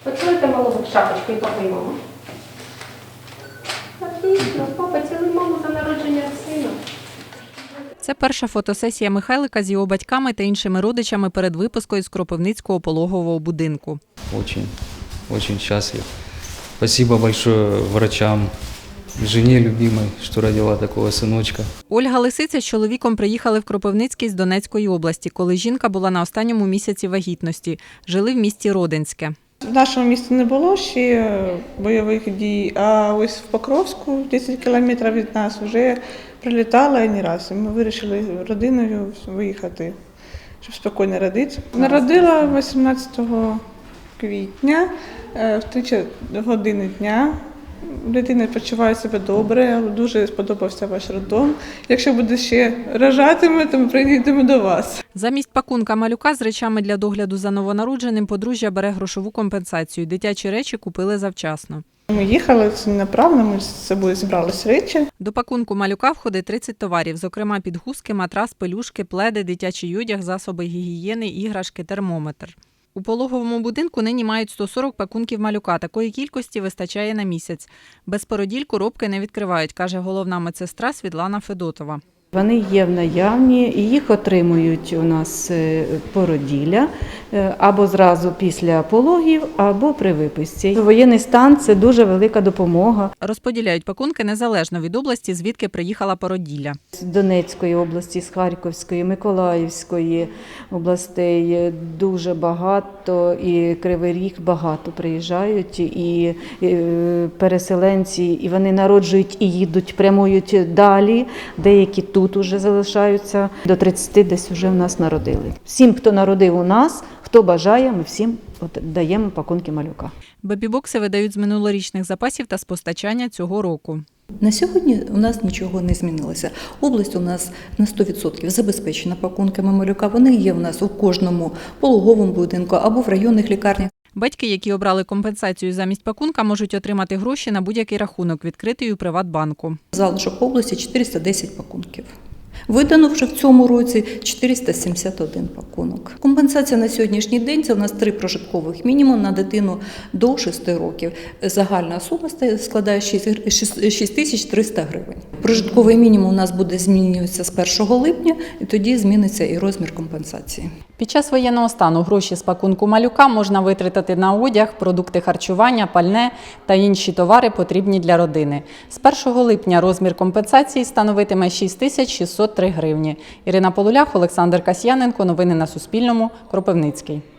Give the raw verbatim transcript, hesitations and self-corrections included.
Поцілуйте малого в шапочку і папу, і маму. Отлично, папа, цілуй маму за народження сина. Це перша фотосесія Михайлика з його батьками та іншими родичами перед випускою з Кропивницького пологового будинку. Очень, очень счастлив. Спасибо большое врачам, жене любимой, что родила такого сыночка. Ольга Лисиця з чоловіком приїхали в Кропивницький з Донецької області, коли жінка була на останньому місяці вагітності. Жили в місті Родинське. В нашому місті не було ще бойових дій, а ось в Покровську, десять кілометрів від нас, вже прилітала не раз. І ми вирішили родиною виїхати, щоб спокійно родити. Народила вісімнадцятого квітня в три години дня. Дитина почуває себе добре, дуже сподобався ваш роддом. Якщо буде ще рожатиме, то ми приїдемо до вас. Замість пакунка малюка з речами для догляду за новонародженим подружжя бере грошову компенсацію. Дитячі речі купили завчасно. Ми їхали направно, ми з собою зібрали речі. До пакунку малюка входить тридцять товарів, зокрема підгузки, матрас, пелюшки, пледи, дитячий одяг, засоби гігієни, іграшки, термометр. У пологовому будинку нині мають сто сорок пакунків малюка. Такої кількості вистачає на місяць. Без породіль коробки не відкривають, каже головна медсестра Світлана Федотова. Вони є в наявні і їх отримують у нас породілля або зразу після пологів, або при виписці. Воєнний стан – це дуже велика допомога. Розподіляють пакунки незалежно від області, звідки приїхала породілля. З Донецької області, з Харківської, Миколаївської областей дуже багато, і Кривий Ріг багато приїжджають, і переселенці, і вони народжують і їдуть, прямують далі, деякі тут. Тут вже залишаються, до тридцяти десь вже в нас народили. Всім, хто народив у нас, хто бажає, ми всім даємо пакунки малюка. Бебі-бокси видають з минулорічних запасів та з постачання цього року. На сьогодні у нас нічого не змінилося. Область у нас на сто відсотків забезпечена пакунками малюка. Вони є у нас у кожному пологовому будинку або в районних лікарнях. Батьки, які обрали компенсацію замість пакунка, можуть отримати гроші на будь-який рахунок, відкритий у Приватбанку. Залишок області чотириста десять пакунків. Видано вже в цьому році чотириста сімдесят один пакунок. Компенсація на сьогоднішній день – це у нас три прожиткових мінімум на дитину до шести років. Загальна сума складає шість тисяч триста гривень. Прожитковий мінімум у нас буде змінюватися з першого липня, і тоді зміниться і розмір компенсації. Під час воєнного стану гроші з пакунку малюка можна витратити на одяг, продукти харчування, пальне та інші товари, потрібні для родини. З першого липня розмір компенсації становитиме шість тисяч шістсот три гривні. Ірина Полулях, Олександр Касьяненко. Новини на Суспільному. Кропивницький.